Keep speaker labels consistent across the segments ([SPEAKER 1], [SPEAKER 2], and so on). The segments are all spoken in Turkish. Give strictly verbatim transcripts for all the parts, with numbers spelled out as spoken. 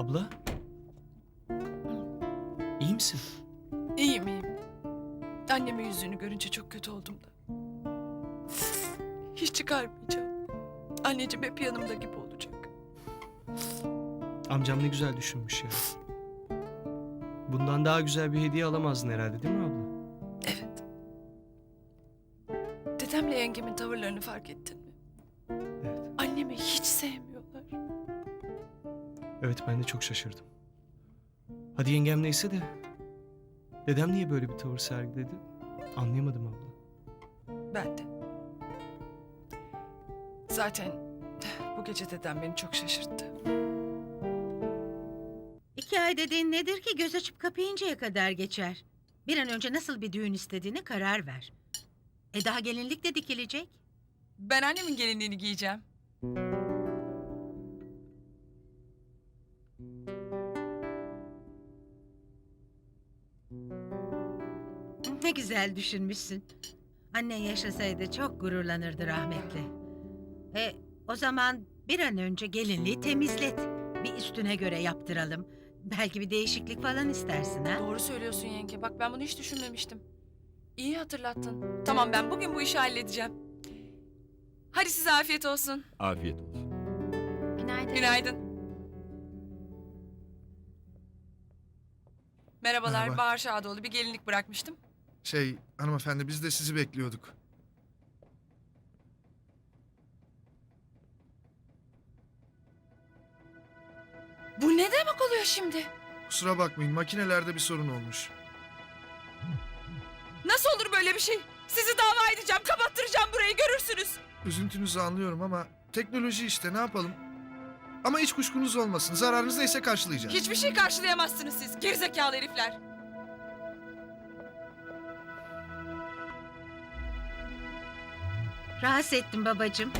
[SPEAKER 1] Abla? İyi misin?
[SPEAKER 2] İyiyim iyiyim. Annemin yüzünü görünce çok kötü oldum da. Hiç çıkarmayacağım. Anneciğim hep yanımda gibi olacak.
[SPEAKER 1] Amcam ne güzel düşünmüş ya. Bundan daha güzel bir hediye alamazdın herhalde, değil mi abla?
[SPEAKER 2] Evet. Dedemle yengemin tavırlarını fark ettin mi?
[SPEAKER 1] Evet.
[SPEAKER 2] Annemi hiç sevmiyorlar.
[SPEAKER 1] Evet, ben de çok şaşırdım. Hadi yengem neyse de... Dedem niye böyle bir tavır sergiledi? Anlayamadım abla.
[SPEAKER 2] Ben de. Zaten bu gece dedem beni çok şaşırttı.
[SPEAKER 3] İki ay dediğin nedir ki göz açıp kapayıncaya kadar geçer. Bir an önce nasıl bir düğün istediğine karar ver. E daha gelinlik de dikilecek.
[SPEAKER 2] Ben annemin gelinliğini giyeceğim.
[SPEAKER 3] Ne güzel düşünmüşsün. Annen yaşasaydı çok gururlanırdı rahmetli. E o zaman bir an önce gelinliği temizlet. Bir üstüne göre yaptıralım. Belki bir değişiklik falan istersin ha?
[SPEAKER 2] Doğru söylüyorsun yenge. Bak ben bunu hiç düşünmemiştim. İyi hatırlattın. Tamam ben bugün bu işi halledeceğim. Hadi size afiyet olsun.
[SPEAKER 4] Afiyet olsun.
[SPEAKER 5] Günaydın.
[SPEAKER 2] Günaydın. Merhabalar,
[SPEAKER 6] Merhaba.
[SPEAKER 2] Bahar Şadoğlu. Bir gelinlik bırakmıştım.
[SPEAKER 6] Şey, hanımefendi biz de sizi bekliyorduk.
[SPEAKER 2] Bu ne demek oluyor şimdi?
[SPEAKER 6] Kusura bakmayın, makinelerde bir sorun olmuş.
[SPEAKER 2] Nasıl olur böyle bir şey? Sizi dava edeceğim, kapattıracağım burayı, görürsünüz.
[SPEAKER 6] Üzüntünüzü anlıyorum ama teknoloji işte, ne yapalım? Ama hiç kuşkunuz olmasın, zararınız neyse karşılayacağız.
[SPEAKER 2] Hiçbir şey karşılayamazsınız siz, gerizekalı herifler.
[SPEAKER 3] Rahatsız ettim babacığım.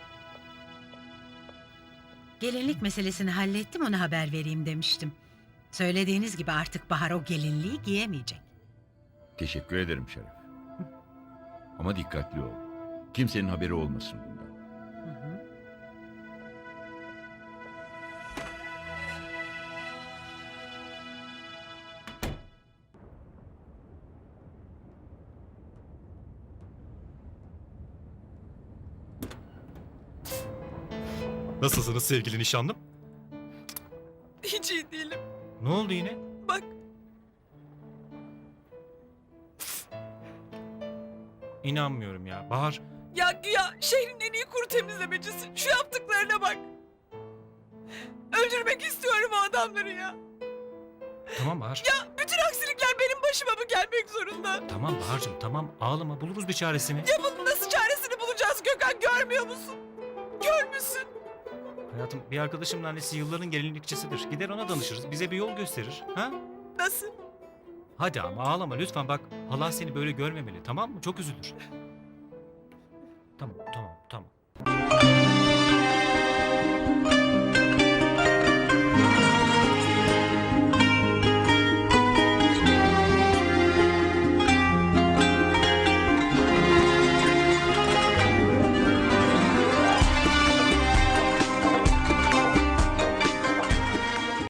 [SPEAKER 3] Gelinlik meselesini hallettim, ona haber vereyim demiştim. Söylediğiniz gibi artık Bahar o gelinliği giyemeyecek.
[SPEAKER 4] Teşekkür ederim Şeref. Ama dikkatli ol. Kimsenin haberi olmasın bundan.
[SPEAKER 3] Hı hı.
[SPEAKER 7] Nasılsınız sevgili nişanlım?
[SPEAKER 2] Hiç iyi değilim.
[SPEAKER 7] Ne oldu yine?
[SPEAKER 2] Bak,
[SPEAKER 7] İnanmıyorum ya. Bahar,
[SPEAKER 2] ya güya şehrin en iyi kuru temizlemecisi. Şu yaptıklarına bak. Öldürmek istiyorum o adamları ya.
[SPEAKER 7] tamam Bahar.
[SPEAKER 2] Ya bütün aksilikler benim başıma mı gelmek zorunda?
[SPEAKER 7] Tamam Bahar'cığım tamam ağlama buluruz bir çaresini.
[SPEAKER 2] Ya bunun nasıl çaresini bulacağız Gökhan, görmüyor musun? Görmüşsün.
[SPEAKER 7] Hayatım bir arkadaşımın annesi yılların gelinlikçisidir. Gider ona danışırız. Bize bir yol gösterir. Ha?
[SPEAKER 2] Nasıl?
[SPEAKER 7] Hadi ama ağlama lütfen bak. Halan seni böyle görmemeli tamam mı? Çok üzülür. Tamam tamam tamam.